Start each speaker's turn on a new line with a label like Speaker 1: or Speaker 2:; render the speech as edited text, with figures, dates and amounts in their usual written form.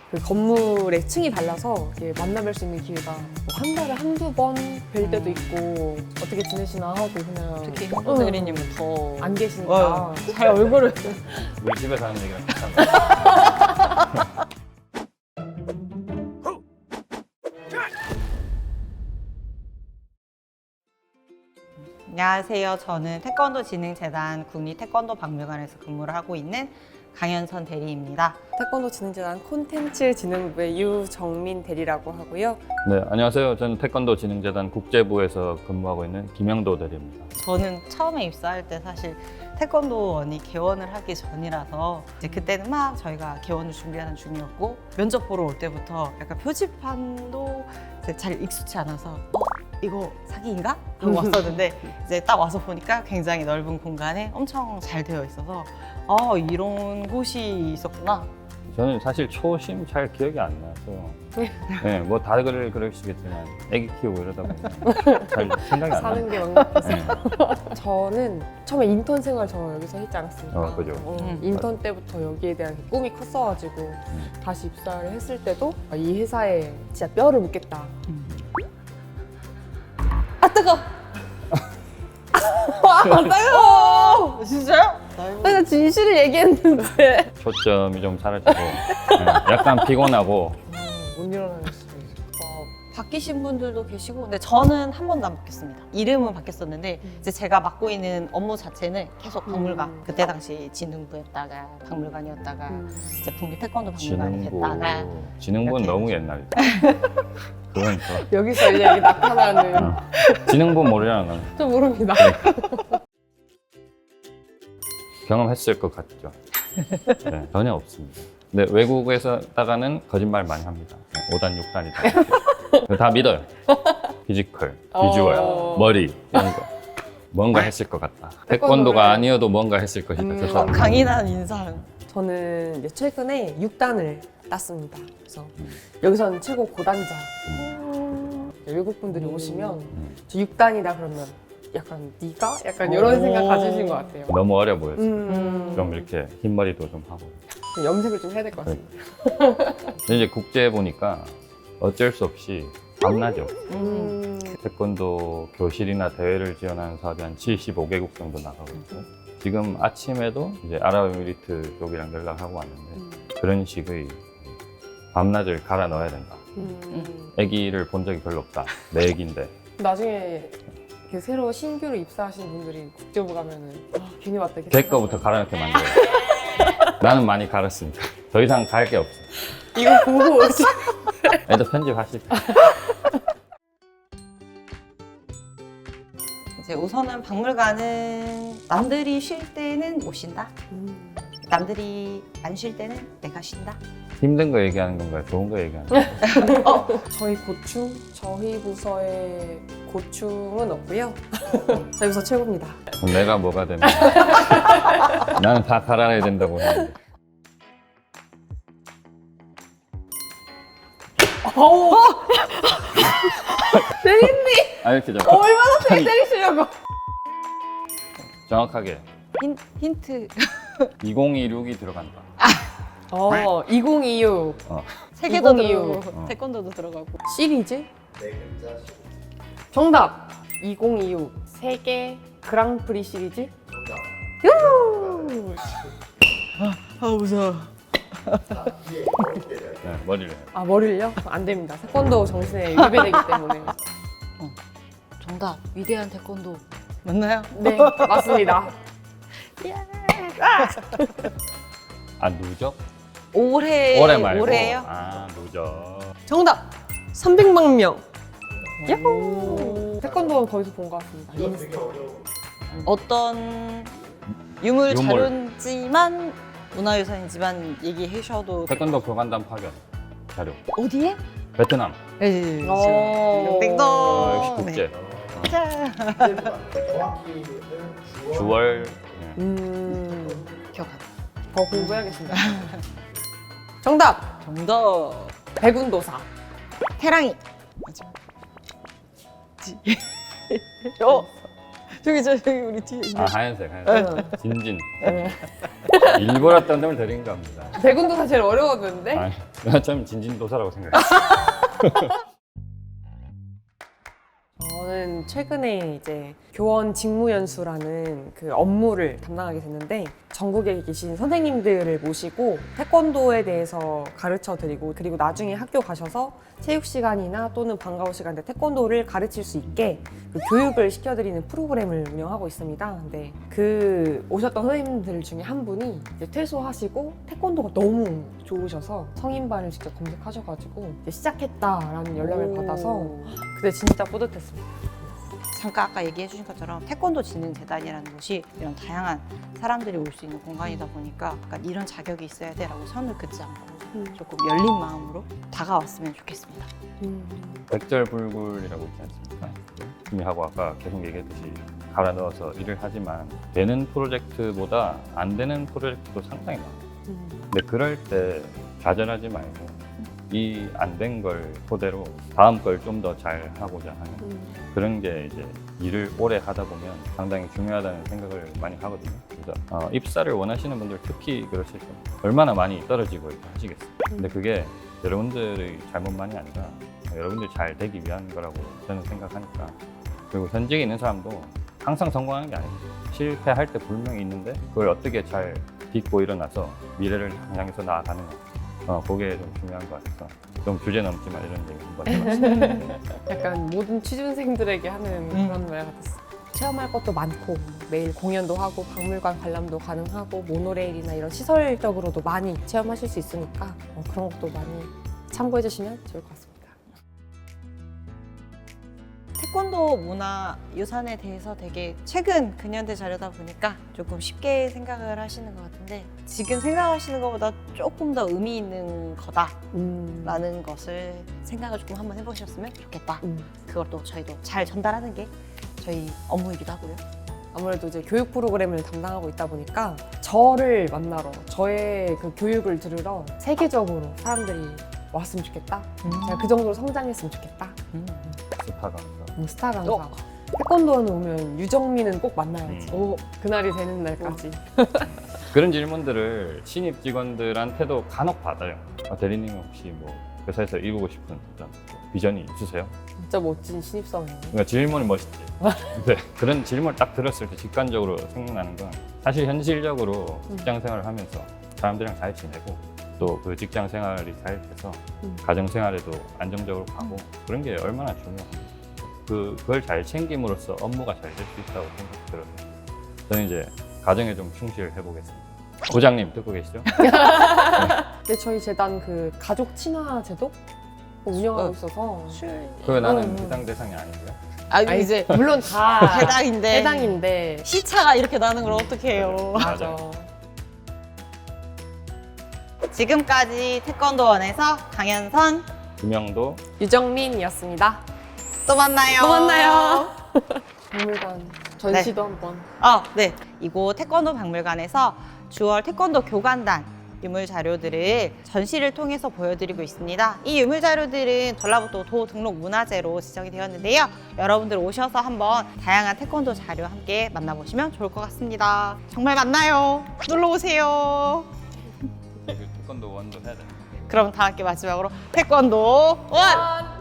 Speaker 1: 그 건물에 층이 달라서 이렇게 만나뵐 수 있는 기회가 뭐한 달에 한두 번 뵐 때도 있고 어떻게 지내시나 하고 그냥
Speaker 2: 특히 홍보 대리님은 더
Speaker 1: 안 계시니까
Speaker 2: 잘 얼굴을
Speaker 3: 우리 집에서 하는 얘기랑 비슷한 거.
Speaker 2: 안녕하세요. 저는 태권도 진흥재단 국립태권도 박물관에서 근무를 하고 있는 강현선 대리입니다.
Speaker 1: 태권도 진흥재단 콘텐츠 진흥부의 유정민 대리라고 하고요.
Speaker 3: 네, 안녕하세요. 저는 태권도 진흥재단 국제부에서 근무하고 있는 김영도 대리입니다.
Speaker 2: 저는 처음에 입사할 때 사실 태권도원이 개원을 하기 전이라서 이제 그때는 막 저희가 개원을 준비하는 중이었고 면접 보러 올 때부터 약간 표지판도 이제 잘 익숙치 않아서 이거 사기인가? 하고 왔었는데 이제 딱 와서 보니까 굉장히 넓은 공간에 엄청 잘 되어 있어서 이런 곳이 있었구나.
Speaker 3: 저는 사실 초심 잘 기억이 안 나서 네, 뭐 다들 그러시겠지만 애기 키우고 이러다 보면 잘 생각이 안 나요.
Speaker 1: 사는 게 막막해서.
Speaker 3: 네.
Speaker 1: 저는 처음에 인턴 생활 저 여기서 했지 않았습니까?
Speaker 3: 그죠.
Speaker 1: 인턴 때부터 여기에 대한 꿈이 컸어가지고 다시 입사를 했을 때도 이 회사에 진짜 뼈를 묻겠다. 아 뜨거! 안 따가워!
Speaker 2: 진짜요?
Speaker 1: 내가 진실을 얘기했는데
Speaker 3: 초점이 좀 사라지고 네, 약간 피곤하고
Speaker 1: 못 일어나는 수도 있어.
Speaker 2: 바뀌신 분들도 계시고 근데 저는 한 번도 안 바뀌었습니다. 이름은 바뀌었었는데 이제 제가 맡고 있는 업무 자체는 계속 박물관. 그때 당시 진흥부였다가 박물관이었다가 이제 국립태권도 박물관이 됐다가
Speaker 3: 진흥부는
Speaker 2: 이렇게.
Speaker 3: 너무 옛날이다. 그건
Speaker 1: 여기서 이제 여기 나타나는
Speaker 3: 진흥부 모르잖아. 넌.
Speaker 1: 저 모릅니다.
Speaker 3: 경험했을 것 같죠? 네, 전혀 없습니다. 네, 외국에서다가는 거짓말 많이 합니다. 5단, 6단이다. 다 믿어요. 피지컬, 비주얼, 머리 이런 거. 뭔가 했을 것 같다. 태권도가 아니어도 뭔가 했을 것이다. 저 사람.
Speaker 2: 강인한 인상.
Speaker 1: 저는 이제 최근에 6단을 땄습니다. 그래서 여기서는 최고 고단자. 외국 분들이 오시면 저 6단이다 그러면 약간 네가? 약간 이런 생각 가지신 것 같아요.
Speaker 3: 너무 어려 보였어요.
Speaker 1: 좀
Speaker 3: 좀 이렇게 흰머리도 좀 하고.
Speaker 1: 염색을 좀 해야 될 것 같습니다.
Speaker 3: 근데 이제 국제 보니까 어쩔 수 없이 밤나죠. 태권도 교실이나 대회를 지원하는 사업이 한 75개국 정도 나가고 있고 지금 아침에도 이제 아랍에미리트 쪽이랑 연락하고 왔는데 그런 식의 밤낮을 갈아 넣어야 된다. 아기를 본 적이 별로 없다. 내 아기인데.
Speaker 1: 나중에 이렇게 새로 신규로 입사하신 분들이 국제부 가면은 괜히 왔다 이렇게
Speaker 3: 걔 거부터 갈아넣게 만들어요. 나는 많이 갈았으니까. 더 이상 갈 게 없어.
Speaker 1: 이거 보고 오지.
Speaker 3: 애들 편집하실 때.
Speaker 2: 이제 우선은 박물관은 남들이 쉴 때는 못 쉰다. 남들이 안 쉴 때는 내가 쉰다.
Speaker 3: 힘든 거 얘기하는 건가요? 좋은 거 얘기하는 건가요?
Speaker 1: 저희 고충, 저희 부서의 고충은 없고요. 저희 부서 최고입니다.
Speaker 3: 그럼 내가 뭐가 되면 나는 다 갈아내야 된다고 하는데.
Speaker 1: 대리님
Speaker 3: 아 이렇게 좀
Speaker 1: 얼마나 세게 때리시려고?
Speaker 3: 정확하게
Speaker 2: 힌트.
Speaker 3: 2026이 들어간다.
Speaker 1: 2026
Speaker 2: 세계도
Speaker 1: 2026.
Speaker 2: 들어가고 태권도도 들어가고.
Speaker 1: 시리즈? 정답! 2026 세계 그랑프리 시리즈?
Speaker 2: 무서워.
Speaker 3: 네, 머리를.
Speaker 1: 아 머리를요? 안 됩니다. 태권도 정신에 위배되기 때문에.
Speaker 2: 정답. 위대한 태권도. 맞나요?
Speaker 1: 네 맞습니다.
Speaker 3: 아 누적?
Speaker 2: 올해
Speaker 3: 말고.
Speaker 2: 올해요?
Speaker 3: 아 누적.
Speaker 1: 정답! 300만 명. 야호! 태권도는 거기서 본 것 같습니다. 인스타.
Speaker 2: 어떤 유물
Speaker 3: 유물.
Speaker 2: 자료지만 문화유산이지만 얘기해 주셔도
Speaker 3: 태권도 교관단 파견 자료.
Speaker 2: 어디에?
Speaker 3: 베트남.
Speaker 2: 네,
Speaker 1: 오.
Speaker 2: 띵동.
Speaker 3: 역시 국제.
Speaker 2: 자.
Speaker 4: 정확히는
Speaker 3: 9월.
Speaker 2: 기억하다.
Speaker 1: 더 공부해야겠습니다. 정답!
Speaker 2: 정답.
Speaker 1: 백운도사.
Speaker 2: 태랑이. 맞아. 저기 우리 뒤에
Speaker 3: 아, 하얀색. 진진. 일부러 떤점을 드린 겁니다.
Speaker 1: 대군도사 제일 어려웠는데
Speaker 3: 아니, 나 참 진진도사라고 생각했어.
Speaker 1: 저는 최근에 이제 교원 직무연수라는 그 업무를 담당하게 됐는데 전국에 계신 선생님들을 모시고 태권도에 대해서 가르쳐 드리고 그리고 나중에 학교 가셔서 체육 시간이나 또는 방과후 시간에 태권도를 가르칠 수 있게 그 교육을 시켜드리는 프로그램을 운영하고 있습니다. 근데 그 오셨던 선생님들 중에 한 분이 이제 퇴소하시고 태권도가 너무 좋으셔서 성인반을 직접 검색하셔가지고 이제 시작했다라는 연락을 받아서 그때 진짜 뿌듯했습니다.
Speaker 2: 잠깐 아까 얘기해 주신 것처럼 태권도 진흥재단이라는 곳이 이런 다양한 사람들이 올 수 있는 공간이다 보니까 약간 이런 자격이 있어야 돼라고 선을 긋지 않고 조금 열린 마음으로 다가왔으면 좋겠습니다.
Speaker 3: 백절불굴이라고 있지 않습니까? 준비하고 아까 계속 얘기했듯이 갈아 넣어서 일을 하지만 되는 프로젝트보다 안 되는 프로젝트도 상당히 많아요. 근데 그럴 때 좌절하지 말고 이 안 된 걸 토대로 다음 걸 좀 더 잘 하고자 하는 그런 게 이제 일을 오래 하다 보면 상당히 중요하다는 생각을 많이 하거든요. 그래서 입사를 원하시는 분들 특히 그러실 거예요. 얼마나 많이 떨어지고 이렇게 하시겠어요. 근데 그게 여러분들의 잘못만이 아니라 여러분들이 잘 되기 위한 거라고 저는 생각하니까. 그리고 현직에 있는 사람도 항상 성공하는 게 아니에요. 실패할 때 분명히 있는데 그걸 어떻게 잘 딛고 일어나서 미래를 향해서 나아가느냐. 그게 좀 중요한 것 같아서 좀 주제 넘지만 이런 얘기 한번 해봤습니다.
Speaker 1: 약간 모든 취준생들에게 하는 그런 말 같았어. 체험할 것도 많고 매일 공연도 하고 박물관 관람도 가능하고 모노레일이나 이런 시설적으로도 많이 체험하실 수 있으니까 그런 것도 많이 참고해 주시면 좋을 것 같습니다.
Speaker 2: 태권도 문화 유산에 대해서 되게 최근 근현대 자료다 보니까 조금 쉽게 생각을 하시는 것 같은데 지금 생각하시는 것보다 조금 더 의미 있는 거다라는 것을 생각을 조금 한번 해보셨으면 좋겠다. 그것도 저희도 잘 전달하는 게 저희 업무이기도 하고요.
Speaker 1: 아무래도 이제 교육 프로그램을 담당하고 있다 보니까 저를 만나러 저의 그 교육을 들으러 세계적으로 사람들이 왔으면 좋겠다. 제가 그 정도로 성장했으면 좋겠다.
Speaker 3: 스타 강사.
Speaker 1: 스타 강사. 태권도는 오면 유정민은 꼭 만나야지.
Speaker 3: 음.
Speaker 1: 그날이 되는 날까지.
Speaker 3: 그런 질문들을 신입 직원들한테도 간혹 받아요. 대리님 혹시 뭐 회사에서 이루고 싶은 어떤 비전이 있으세요?
Speaker 1: 진짜 멋진 신입사원이에요.
Speaker 3: 그러니까 질문이 멋있지. 근데 그런 질문을 딱 들었을 때 직관적으로 생각나는 건 사실 현실적으로 직장 생활을 하면서 사람들이랑 잘 지내고 또 그 직장 생활이 잘 돼서 가정 생활에도 안정적으로 가고 그런 게 얼마나 중요합니까? 그걸 잘 챙김으로써 업무가 잘 될 수 있다고 생각 들어요. 저는 이제 가정에 좀 충실해 보겠습니다. 부장님 듣고 계시죠?
Speaker 1: 근데 저희 재단 그 가족 친화 제도 운영하고 있어서
Speaker 3: 그거 나는 해당 대상이 아닌데요?
Speaker 1: 아니, 이제 물론 다
Speaker 2: 해당인데
Speaker 1: 해당인데
Speaker 2: 시차가 이렇게 나는 걸 어떻게 해요?
Speaker 1: 맞아.
Speaker 2: 지금까지 태권도원에서 강현선
Speaker 3: 김영도
Speaker 1: 유정민이었습니다.
Speaker 2: 또 만나요.
Speaker 1: 또 만나요. 박물관 전시도 한번.
Speaker 2: 네. 이곳 태권도 박물관에서 주월 태권도 교관단 유물 자료들을 전시를 통해서 보여드리고 있습니다. 이 유물 자료들은 전라북도 도 등록 문화재로 지정이 되었는데요. 여러분들 오셔서 한번 다양한 태권도 자료 함께 만나보시면 좋을 것 같습니다. 정말 만나요. 놀러 오세요.
Speaker 3: 태권도 원도 해야 돼.
Speaker 2: 그럼 다 함께 마지막으로 태권도 원!